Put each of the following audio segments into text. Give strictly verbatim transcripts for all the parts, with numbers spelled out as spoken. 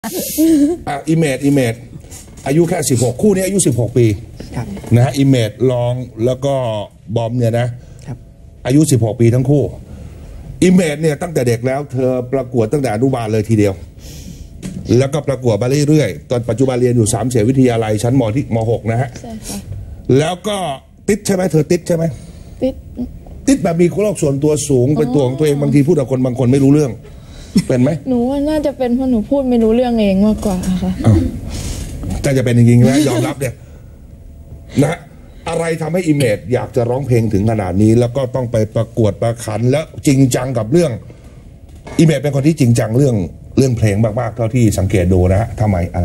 อ่ะอิเมจอิเมจอายุแค่สิบหกคู่นี้อายุสิบหกปีนะฮะอิเมจลองแล้วก็บอมเนี่ยนะอายุสิบหกปีทั้งคู่อิเมจเนี่ยตั้งแต่เด็กแล้วเธอประกวดตั้งแต่อนุบาลเลยทีเดียวแล้วก็ประกวดมาเรื่อยๆตอนปัจจุบันเรียนอยู่สามเสนวิทยาลัยชั้นมที่มหกนะฮะใช่ค่ะแล้วก็ติดใช่ไหมเธอติดใช่ไหมติดติดแบบมีโรคส่วนตัวสูงเป็นตัวของตัวเองบางทีพูดกับคนบางคนไม่รู้เรื่องเป็นไหมหนูว่าน่าจะเป็นเพราะหนูพูดไม่รู้เรื่องเองมากกว่าค่ะถ้าจะเป็นจริงๆนะยอมรับเนี่ยนะอะไรทำให้อิเมจอยากจะร้องเพลงถึงขนาดนี้แล้วก็ต้องไปประกวดประขันแล้วจริงจังกับเรื่องอิเมจเป็นคนที่จริงจังเรื่องเรื่องเพลงมากๆเท่าที่สังเกตดูนะฮะทำไมอะไร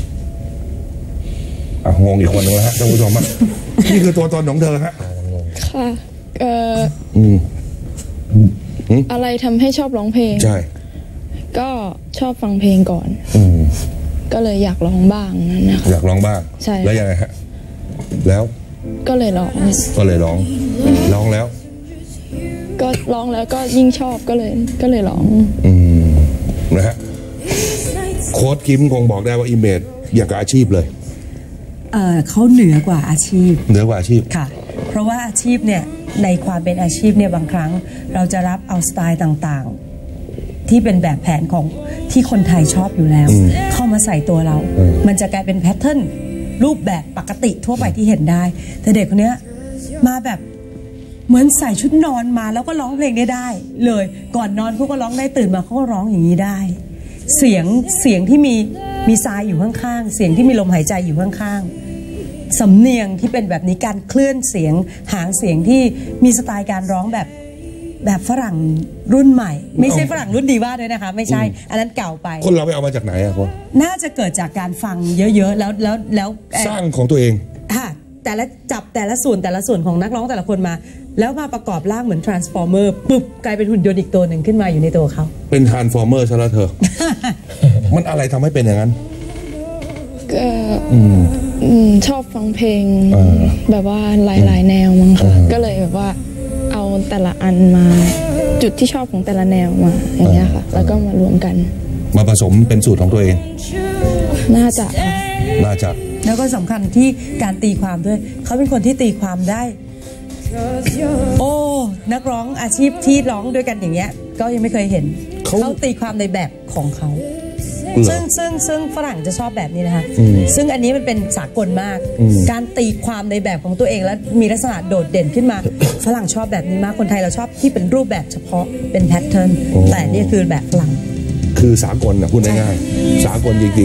อ่ะงงอีกคนนึงแล้วฮะท่านผู้ชมนี่คือตัวตนของเธอฮะค่ะเอ่ออืมอะไรทำให้ชอบร้องเพลงใช่ก็ชอบฟังเพลงก่อนอืมก็เลยอยากร้องบ้างนะคะอยากร้องบ้างใช่แล้วยังไงฮะแล้วก็เลยร้องก็เลยร้องร้องแล้วก็ร้องแล้วก็ยิ่งชอบก็เลยก็เลยร้องอืมนะฮะโค้ชคิมคงบอกได้ว่าอิเมจอยากกับอาชีพเลยเออเขาเหนือกว่าอาชีพเหนือกว่าอาชีพค่ะเพราะว่าอาชีพเนี่ยในความเป็นอาชีพเนี่ยบางครั้งเราจะรับเอาสไตล์ต่างๆที่เป็นแบบแผนของที่คนไทยชอบอยู่แล้วเข้ามาใส่ตัวเรามันจะกลายเป็นแพทเทิร์นรูปแบบปกติทั่วไปที่เห็นได้แต่เด็กคนนี้มาแบบเหมือนใส่ชุดนอนมาแล้วก็ร้องเพลงได้ได้เลยก่อนนอนเขาก็ร้องได้ตื่นมาเขาก็ร้องอย่างนี้ได้เสียงเสียงที่มีมีทรายอยู่ข้างๆเสียงที่มีลมหายใจอยู่ข้างๆสำเนียงที่เป็นแบบนี้การเคลื่อนเสียงหางเสียงที่มีสไตล์การร้องแบบแบบฝรั่งรุ่นใหม่ไม่ใช่ฝรั่งรุ่นดีว่าด้วยนะคะไม่ใช่อันนั้นเก่าไปคนเราไปเอามาจากไหนอะคนน่าจะเกิดจากการฟังเยอะๆแล้วแล้วแล้วสร้างของตัวเองค่ะแต่ละจับแต่ละส่วนแต่ละส่วนของนักร้องแต่ละคนมาแล้วมาประกอบร่างเหมือน transformer ปุ๊บกลายเป็นหุ่นยนต์อีกตัวหนึ่งขึ้นมาอยู่ในตัวเขาเป็น transformer ซะแล้วเธอ มันอะไรทำให้เป็นอย่างนั้นก็ชอบฟังเพลงแบบว่าหลายๆแนวมั้งค่ะก็เลยแบบว่าเอาแต่ละอันมาจุดที่ชอบของแต่ละแนวมาอย่างเงี้ยค่ะแล้วก็มารวมกันมาผสมเป็นสูตรของตัวเองน่าจะน่าจะแล้วก็สำคัญที่การตีความด้วยเขาเป็นคนที่ตีความได้โอ้นักร้องอาชีพที่ร้องด้วยกันอย่างเงี้ยก็ยังไม่เคยเห็นเขาตีความในแบบของเขาซึ่งซึ่งซึ่งฝรั่งจะชอบแบบนี้นะคะซึ่งอันนี้มันเป็นสากลมากการตีความในแบบของตัวเองแล้วมีลักษณะโดดเด่นขึ้นมาฝรั่งชอบแบบนี้มากคนไทยเราชอบที่เป็นรูปแบบเฉพาะเป็นแพทเทิร์นแต่นี่คือแบบฝรั่งคือสากลนะพูดง่ายๆสากลจริง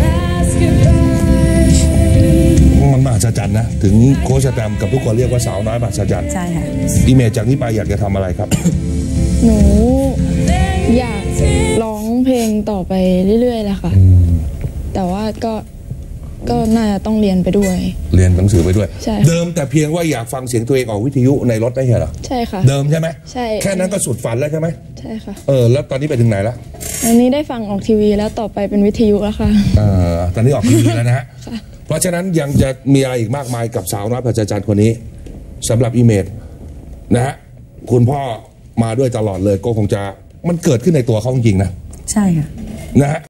ๆมันมหัศจรรย์นะถึงโค้ชแตมกับทุกคนเรียกว่าสาวน้อยมหัศจรรย์ใช่ค่ะอิเมจจากนี้ไปอยากจะทำอะไรครับหนูอยากร้องเพลงต่อไปเรื่อยๆแหละค่ะแต่ว่าก็ก็น่าจะต้องเรียนไปด้วยเรียนหนังสือไปด้วยเดิมแต่เพียงว่าอยากฟังเสียงตัวเองออกวิทยุในรถได้เหรอใช่ค่ะเดิมใช่ไหมใช่แค่นั้นก็สุดฝันแล้วใช่ไหมใช่ค่ะเออแล้วตอนนี้ไปถึงไหนแล้วตอนนี้ได้ฟังออกทีวีแล้วต่อไปเป็นวิทยุแล้วค่ะอ่าตอนนี้ออกทีวีแล้วนะฮะเพราะฉะนั้นยังจะมีอะไรอีกมากมายกับสาวน้อยมหัศจรรย์คนนี้สำหรับอิเมจนะฮะคุณพ่อมาด้วยตลอดเลยก็คงจะมันเกิดขึ้นในตัวเขาจริงๆนะใช่ค่ะนะฮะ